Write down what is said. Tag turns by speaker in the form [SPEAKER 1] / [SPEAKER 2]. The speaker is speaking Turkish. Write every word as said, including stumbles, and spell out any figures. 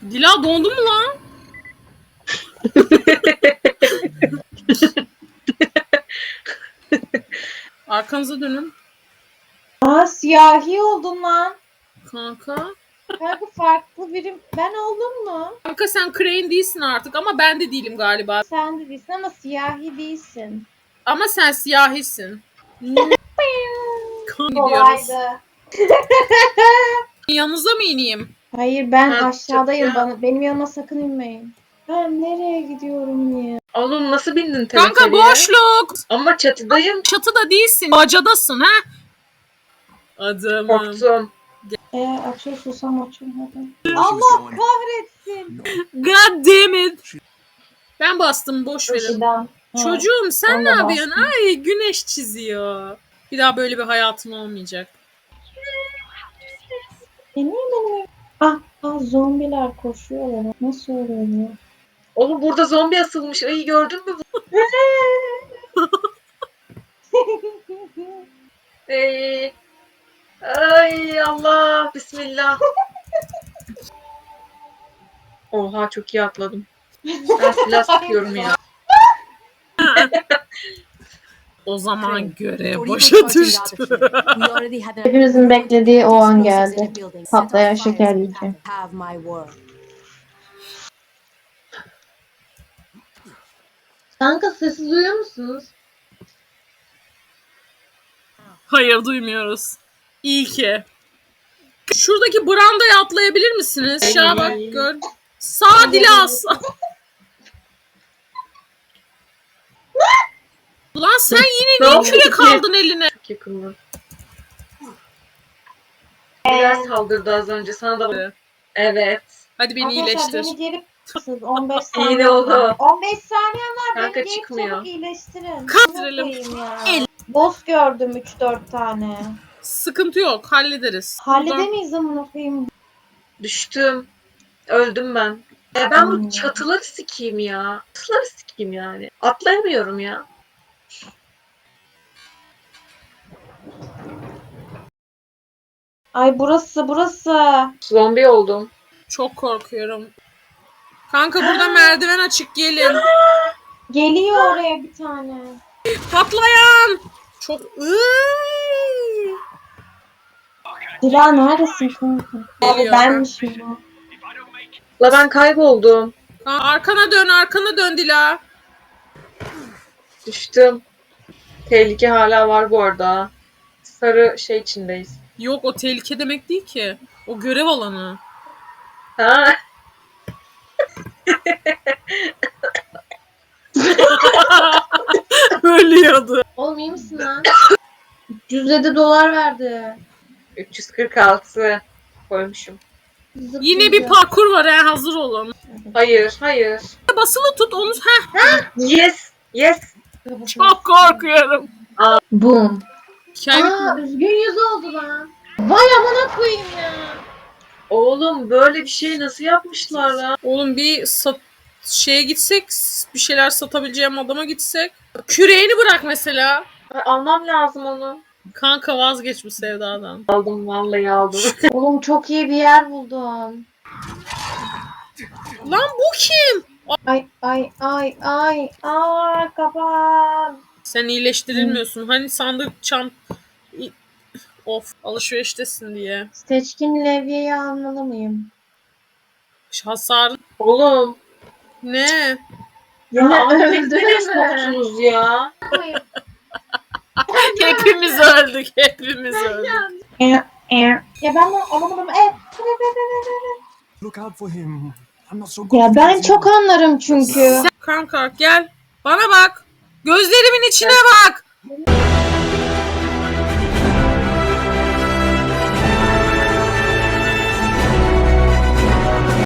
[SPEAKER 1] Dila dondu mu lan? Arkanıza dönün.
[SPEAKER 2] Aa, siyahi oldun lan.
[SPEAKER 1] Kanka.
[SPEAKER 2] Kanka farklı birim. Ben oldum mu?
[SPEAKER 1] Kanka sen Crane değilsin artık ama ben de değilim galiba.
[SPEAKER 2] Sen de değilsin ama siyahi değilsin.
[SPEAKER 1] Ama sen siyahisin. Kan gidiyoruz.
[SPEAKER 2] Kolaydı.
[SPEAKER 1] Yanınıza mı ineyim?
[SPEAKER 2] Hayır ben
[SPEAKER 3] Ha,
[SPEAKER 2] aşağıdayım.
[SPEAKER 3] çok ya.
[SPEAKER 2] Bana, benim yanıma sakın inmeyin. Ben nereye gidiyorum ya?
[SPEAKER 3] Oğlum nasıl bindin
[SPEAKER 1] Kanka
[SPEAKER 3] teleferiye?
[SPEAKER 1] boşluk.
[SPEAKER 3] Ama çatıdayım.
[SPEAKER 1] Çatıda değilsin. Bacadasın ha. Adamım.
[SPEAKER 3] Korktum.
[SPEAKER 2] Eğer açıyorsam açın hadi. Allah kahretsin.
[SPEAKER 1] God damn it. Ben bastım boş verin.
[SPEAKER 2] Işıdan.
[SPEAKER 1] Çocuğum sen
[SPEAKER 2] Ben
[SPEAKER 1] ne
[SPEAKER 2] de
[SPEAKER 1] yapıyorsun?
[SPEAKER 2] bastım.
[SPEAKER 1] Ay güneş çiziyor. Bir daha böyle bir hayatın olmayacak.
[SPEAKER 2] E niye benim? Ah, ah zombiler koşuyorlar. Nasıl oluyor ya?
[SPEAKER 3] Oğlum burada zombi asılmış. Ay gördün mü? Ay, ay Allah. Bismillah. Oha çok iyi atladım. Ben silah sıkıyorum ya.
[SPEAKER 1] O zaman görev
[SPEAKER 4] Before
[SPEAKER 1] başa
[SPEAKER 4] even charging out
[SPEAKER 1] düştü.
[SPEAKER 4] the ship, we already had an-
[SPEAKER 2] Hepimizin beklediği o an geldi.
[SPEAKER 4] Explosives in the building. Set
[SPEAKER 2] Patlayan
[SPEAKER 4] off fires
[SPEAKER 2] şeker
[SPEAKER 4] and
[SPEAKER 2] yiyeceğim.
[SPEAKER 4] Have my word.
[SPEAKER 2] Kanka sesi duyuyor musunuz?
[SPEAKER 1] Hayır duymuyoruz. İyi ki. Şuradaki brandaya atlayabilir misiniz? Aşağı bak gör. Sağ Dilas. Lan sen yine
[SPEAKER 3] Ne
[SPEAKER 1] niye
[SPEAKER 3] oldu
[SPEAKER 1] kürek
[SPEAKER 3] ki?
[SPEAKER 1] aldın eline?
[SPEAKER 3] Çok yakındı. Biraz saldırdı az önce. Sana da evet.
[SPEAKER 1] Hadi beni
[SPEAKER 2] Arkadaşlar
[SPEAKER 1] iyileştir.
[SPEAKER 2] beni geri siz on beş saniye.
[SPEAKER 3] İyi oldu.
[SPEAKER 2] on beş saniye var.
[SPEAKER 3] Kanka
[SPEAKER 2] Beni geri
[SPEAKER 3] çıkmıyor.
[SPEAKER 2] çabuk iyileştirin.
[SPEAKER 1] Kaldıralım.
[SPEAKER 2] Şuna koyayım ya. Boss gördüm üç dört tane.
[SPEAKER 1] Sıkıntı yok hallederiz.
[SPEAKER 2] Halledemeyiz amına koyayım.
[SPEAKER 3] Düştüm. Öldüm ben. E ben
[SPEAKER 2] Hmm.
[SPEAKER 3] bu çatıları sikeyim ya. Çatıları sikeyim yani. Atlayamıyorum ya.
[SPEAKER 2] Ay burası burası.
[SPEAKER 3] Zombi oldum.
[SPEAKER 1] Çok korkuyorum. Kanka burada merdiven açık gelin.
[SPEAKER 2] Geliyor oraya bir tane.
[SPEAKER 1] Patlayan. Çok Iııı.
[SPEAKER 2] Dila neredesin kanka? Abi
[SPEAKER 1] Geliyor.
[SPEAKER 2] benmişim bu.
[SPEAKER 3] La ben kayboldum.
[SPEAKER 1] Kanka, arkana dön arkana dön Dila.
[SPEAKER 3] Düştüm. Tehlike hala var bu arada. Sarı şey içindeyiz.
[SPEAKER 1] Yok o tehlike demek değil ki. O görev alanı.
[SPEAKER 3] Ha?
[SPEAKER 1] Ölüyordu.
[SPEAKER 2] Oğlum iyi misin lan? üç yüz yedi dolar verdi.
[SPEAKER 3] üç yüz kırk altı koymuşum.
[SPEAKER 1] Yine bir parkur var ha hazır olun.
[SPEAKER 3] Hayır, hayır.
[SPEAKER 1] Basılı tut onu. Heh.
[SPEAKER 3] Yes, yes.
[SPEAKER 1] Çok korkuyorum.
[SPEAKER 2] Boom.
[SPEAKER 1] Hikaye
[SPEAKER 2] Aa üzgün yüz oldu lan. Vay amına koyayım ya.
[SPEAKER 3] Oğlum böyle bir şey nasıl yapmışlar lan?
[SPEAKER 1] Oğlum bir sat şeye gitsek bir şeyler satabileceğim adama gitsek. Küreğini bırak mesela.
[SPEAKER 3] Ay, almam lazım onu.
[SPEAKER 1] Kanka vazgeç bu sevdadan.
[SPEAKER 3] Aldım vallahi aldım.
[SPEAKER 2] Oğlum çok iyi bir yer buldum.
[SPEAKER 1] Lan bu kim?
[SPEAKER 2] Ay ay ay ay. Aa kapan.
[SPEAKER 1] Sen iyileştirilmiyorsun. Hani sandık çant... İ- Of alışveriştesin diye.
[SPEAKER 2] Seçkin levyeyi almalı mıyım?
[SPEAKER 1] Hasar
[SPEAKER 3] Oğlum.
[SPEAKER 1] ne?
[SPEAKER 2] Ya
[SPEAKER 3] Abi beni
[SPEAKER 2] öldü
[SPEAKER 3] nereye
[SPEAKER 2] mü?
[SPEAKER 3] soktunuz ya?
[SPEAKER 1] Hepimiz öldük. Hepimiz öldük.
[SPEAKER 2] Ya ben bunu alamadım. Evet.
[SPEAKER 5] Look out for him. I'm not so good.
[SPEAKER 2] Ya
[SPEAKER 5] at
[SPEAKER 2] ben
[SPEAKER 5] this
[SPEAKER 2] çok
[SPEAKER 5] yet.
[SPEAKER 2] anlarım çünkü.
[SPEAKER 1] Kanka gel. Bana bak. Gözlerimin içine bak.